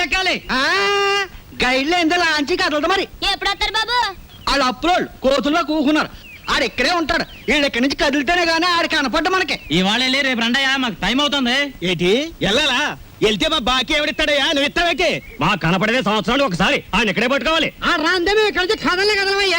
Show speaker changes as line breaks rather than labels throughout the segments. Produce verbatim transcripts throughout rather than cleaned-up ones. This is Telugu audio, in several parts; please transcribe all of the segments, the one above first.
కొండెక్కాలి. గైడ్లో ఎంత లాంచి కదలదు మరి.
ఎప్పుడు వస్తారు బాబు?
వాళ్ళు అప్పులోళ్ళు కోతుల్లో కూకున్నారు. ఆడు ఇక్కడే ఉంటాడు. వీళ్ళు ఇక్కడి నుంచి కదిలితేనే గానీ ఆడు కనపడ్డ మనకి.
ఇవాళ వెళ్ళి రేపు రండయ్యా, మాకు టైం అవుతుంది.
ఏంటి వెళ్ళాలా? వెళ్తే మా బాకీ ఎవడిస్తాడయ్యా? నువ్వు ఇస్తావేటి?
మా కనపడేదే సంవత్సరాలు ఒకసారి, ఆయన ఇక్కడే పట్టుకోవాలి.
ఆ రాందే మేము ఇక్కడ నుంచి కదలే కదలమయ్యా.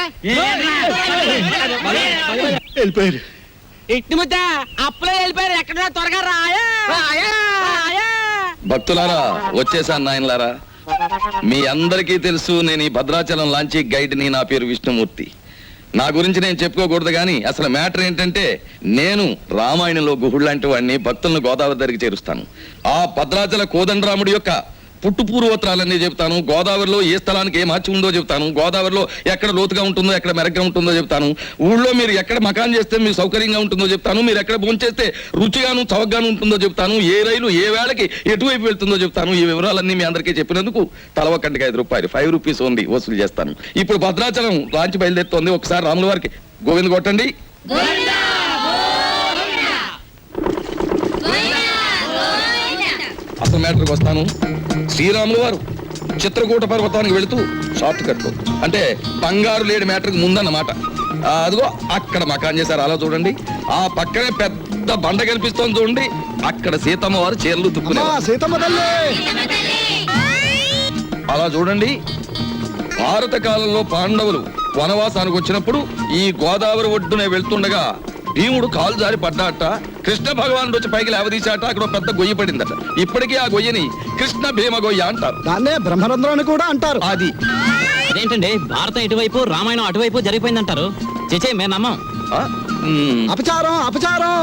వెళ్ళిపోయారు.
ఇట్టి ముద్ద అప్పులో వెళ్ళిపోయారు. ఎక్కడ త్వరగా రాయా.
భక్తులారా, వచ్చేసాను నాయనలారా. మీ అందరికీ తెలుసు నేను ఈ భద్రాచలం లాంచీ గైడ్ని. నా పేరు విష్ణుమూర్తి. నా గురించి నేను చెప్పుకోకూడదు కానీ అసలు మ్యాటర్ ఏంటంటే, నేను రామాయణంలో గుహుడు లాంటి వాడిని. భక్తులను గోదావరి దగ్గరికి చేరుస్తాను. ఆ భద్రాచల కోదండరాముడి యొక్క పుట్టు పూర్వోత్తరాలన్నీ చెప్తాను. గోదావరిలో ఏ స్థలానికి ఏ మార్చి ఉందో చెప్తాను. గోదావరిలో ఎక్కడ లోతుగా ఉంటుందో, ఎక్కడ మెరగ్గా ఉంటుందో చెప్తాను. ఊళ్ళో మీరు ఎక్కడ మకాన్ చేస్తే మీకు సౌకర్యంగా ఉంటుందో చెప్తాను. మీరు ఎక్కడ భోంచేస్తే రుచిగాను చవకగాను ఉంటుందో చెప్తాను. ఏ రైలు ఏ వేళకి ఎటువైపు వెళ్తుందో చెప్తాను. ఈ వివరాలన్నీ మీ అందరికీ చెప్పినందుకు తలవ కంటికి ఐదు రూపాయలు ఫైవ్ రూపీస్ ఓన్లీ వసూలు చేస్తాను. ఇప్పుడు భద్రాచలం లాంచి బయలుదేరుతోంది. ఒకసారి రాముల వారికి గోవింద కొట్టండి. అసలు మ్యాటర్కి వస్తాను. శ్రీరాములు వారు చిత్రకూట పర్వతానికి వెళుతూ షార్ట్ కట్ అంటే బంగారు లేడి మ్యాటర్కి ముందన్నమాట. అదిగో అక్కడ మకాన్ చేశారు. అలా చూడండి. ఆ పక్కనే పెద్ద బండ కనిపిస్తోంది చూడండి. అక్కడ సీతమ్మ వారు చీరలు తుక్కునేవారు. అలా చూడండి. భారత కాలంలో పాండవులు వనవాసానికి వచ్చినప్పుడు ఈ గోదావరి ఒడ్డునే వెళ్తుండగా భీముడు కాలు జారి పడ్డాట. కృష్ణ భగవానుడు వచ్చి పైకి లేవదీశాట. అక్కడ పెద్ద గొయ్యి పడిందట. ఇప్పటికీ ఆ గొయ్యని కృష్ణ భీమ గొయ్య అంటారు.
దాన్నే బ్రహ్మరంధ్రం అని కూడా అంటారు.
అది
అదేంటండి, భారతం ఇటువైపు రామాయణం అటువైపు జరిగిపోయిందంటారు. చేచే మేము నమ్మం.
అపచారం అపచారం.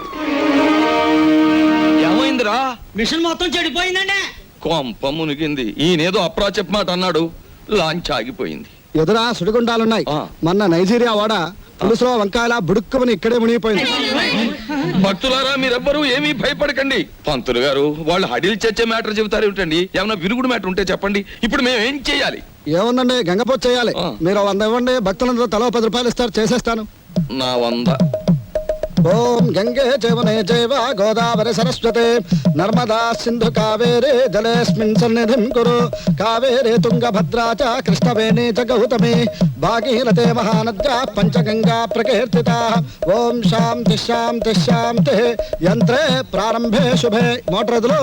ఏమైందిరా?
మిషన్ మొత్తం చెడిపోయిందండి.
కొంప మునిగింది. ఈయనేదో అప్రాచప్ మాట అన్నాడు. లాంచ్ ఆగిపోయింది.
ఎదురా సుడిగుండాలున్నాయి. మొన్న నైజీరియా వాడ పులుసులో వంకాయల బుడుక్కుమని ఇక్కడే మునిగిపోయింది.
భక్తులారా, మీరెవ్వరూ ఏమీ భయపడకండి. పంతులు గారు వాళ్ళు హడిల్ చచ్చే మ్యాటర్ చెబుతారు ఏమిటండి? ఏమన్నా విరుగుడు మ్యాటర్ ఉంటే చెప్పండి. ఇప్పుడు మేము ఏం చేయాలి?
ఏముందండి, గంగపోతు చేయాలి. మీరు వంద ఇవ్వండి, భక్తులందరూ తలో పది రూపాయలు ఇస్తారు, చేసేస్తాను.
నా వంద.
ఓం గంగే జవనే జైవ గోదావరి సరస్వతే నర్మదా సింధు కావేరే జలేస్మిన్ సన్నిధిం కురు కావేరే తుంగభద్రా చ కృష్ణవేణి చ గౌతమి భాగీరథే మహానద్యా పంచగంగా ప్రకీర్తితా. ఓం శాంతి శాంతి శాంతి. యంత్రే ప్రారంభే శుభే. మోటార్ ఎదులు.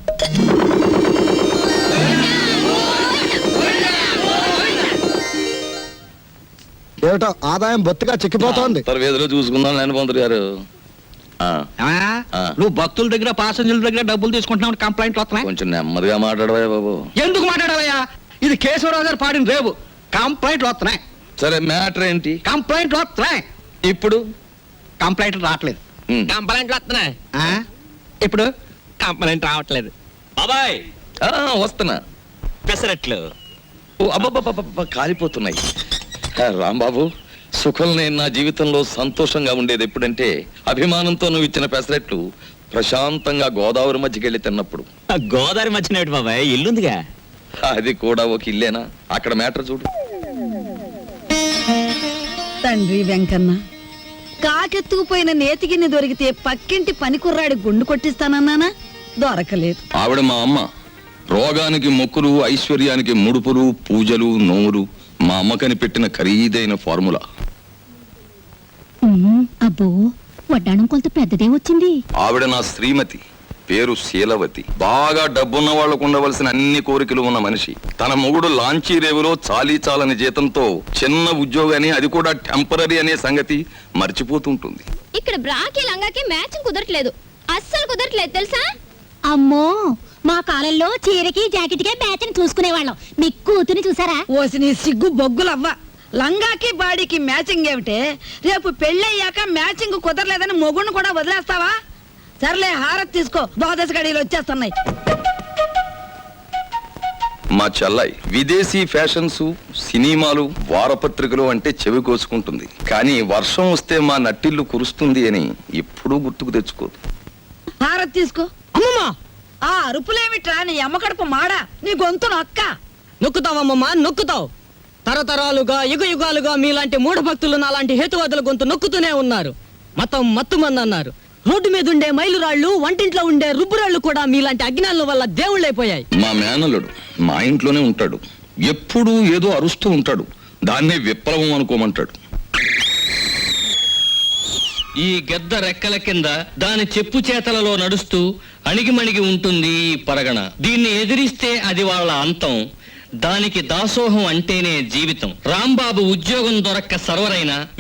ఏమిటో ఆదాయం బొత్తిగా చిక్కిపోతోంది.
వేదిలో చూసుకుందాం లేని పంతులు గారు.
నువ్వు భక్తుల దగ్గర పాసెంజర్ల దగ్గర డబ్బులు తీసుకుంటున్నావు, కంప్లైంట్లు వస్తున్నాయి.
కొంచెం నెమ్మదిగా మాట్లాడవా బాబు.
ఎందుకు మాట్లాడవయ్యా? ఇది కేశవరావు గారు పాడిన రేవు. కంప్లైంట్లు వస్తున్నాయి.
సరే మ్యాటర్ ఏంటి?
కంప్లైంట్లు వస్తున్నాయి.
ఇప్పుడు
కంప్లైంట్లు రావట్లేదు.
కంప్లైంట్లు వస్తున్నాయి.
ఇప్పుడు
కంప్లైంట్ రావట్లేదు. బాబాయ్
వస్తున్నా.
పెసరట్లు
అబ్బబ్బబ్బ కాలిపోతున్నాయి. రాంబాబు, సుఖం నేను నా జీవితంలో సంతోషంగా ఉండేది ఎప్పుడంటే అభిమానంతో నువ్వు ఇచ్చిన పెసరెట్లు ప్రశాంతంగా గోదావరి మధ్యకి వెళ్ళి తిన్నప్పుడు.
గోదావరి మధ్యన బాబాయ్ ఇల్లుందిగా.
అది కూడా ఒక ఇల్లేనా? అక్కడ మ్యాటర్ చూడు.
తండ్రి వెంకన్న, కాకెత్తుకుపోయిన నేతిగిన్ని దొరికితే పక్కింటి పని కుర్రాడి గుండు కొట్టిస్తానన్నానా? దొరకలేదు.
ఆవిడ మా అమ్మ. రోగానికి మొక్కులు, ఐశ్వర్యానికి ముడుపులు, పూజలు, నోములు మా అమ్మకని పెట్టిన ఖరీదైన ఫార్ములా.
అబ్బో, వడ్డాణం కొంత పెద్దదే వచ్చింది.
ఆవిడ నా శ్రీమతి. పేరు శీలవతి. బాగా డబ్బున్న వాళ్లకు ఉండవలసిన అన్ని కోరికలు ఉన్న మనిషి. తన మొగుడు లాంచీ రేవులో చాలీ చాలని జీతంతో చిన్న ఉద్యోగాన్ని, అది కూడా టెంపరీ అనే సంగతి మర్చిపోతుంటుంది.
ఇక్కడ బ్రాకి లంగాకి మ్యాచింగ్ కుదరట్లేదు. అస్సలు కుదరట్లేదు తెలుసా?
అమ్మో, మా కాలంలో చీరకి జాకెట్కే మ్యాచింగ్ చూసుకునేవాళ్ళం. మీ కూతుని చూసారా? ఓసి నీ సిగ్గు బొగ్గులవ్వ. లంగాకి బాడీకి మ్యాచింగ్ ఏమిటే? రేపు పెళ్ళయ్యాక మ్యాచింగ్ కుదరలేదని మొగుణ్ణి కూడా వదిలేస్తావా? సర్లే, హారతి తీసుకో, ద్వాదశ గడియలు వచ్చేస్తున్నాయి.
మా చెల్లాయి విదేశీ ఫ్యాషన్స్, సినిమాలు, వారపత్రికలు అంటే చెవి కోసుకుంటుంది. కానీ వర్షం వస్తే మా నట్టిల్లు కురుస్తుంది అని ఎప్పుడూ గుర్తుకు తెచ్చుకోదు.
హారతి తీసుకో. అమ్మమ్మా, ఆ అరుపులేమిట్రా? నీ అమ్మకడుపు మాడా, నీ గొంతు నొక్క.
నొక్కుతావమ్మమ్మా, నొక్కుతావు. తరతరాలుగా యుగ యుగాలుగా మీలాంటి మూఢ భక్తులు నాలాంటి హేతువాదుల గొంతు నొక్కుతూనే ఉన్నారు. మతం మత్తుమంది అన్నారు. రోడ్డు మీద ఉండే మైలురాళ్ళు వంటింట్లో ఉండే రుబ్బురాళ్ళు కూడా మీలాంటి అజ్ఞానుల వల్ల దేవుళ్ళైపోయాయి.
మా మేనల్లుడు మా ఇంట్లోనే ఉంటాడు, ఎప్పుడూ ఏదో అరుస్తూ ఉంటాడు, దాన్నే విప్లవం అనుకోమంటాడు.
ఈ గెద్ద రెక్కల కింద దాని చెప్పు చేతలలో నడుస్తూ అణిగిమణిగి ఉంటుంది ఈ పరగణ. దీన్ని ఎదిరిస్తే అది వాళ్ళ అంతం. దానికి దాసోహం అంటేనే జీవితం. రాంబాబు ఉద్యోగం దొరక్క సర్వరైన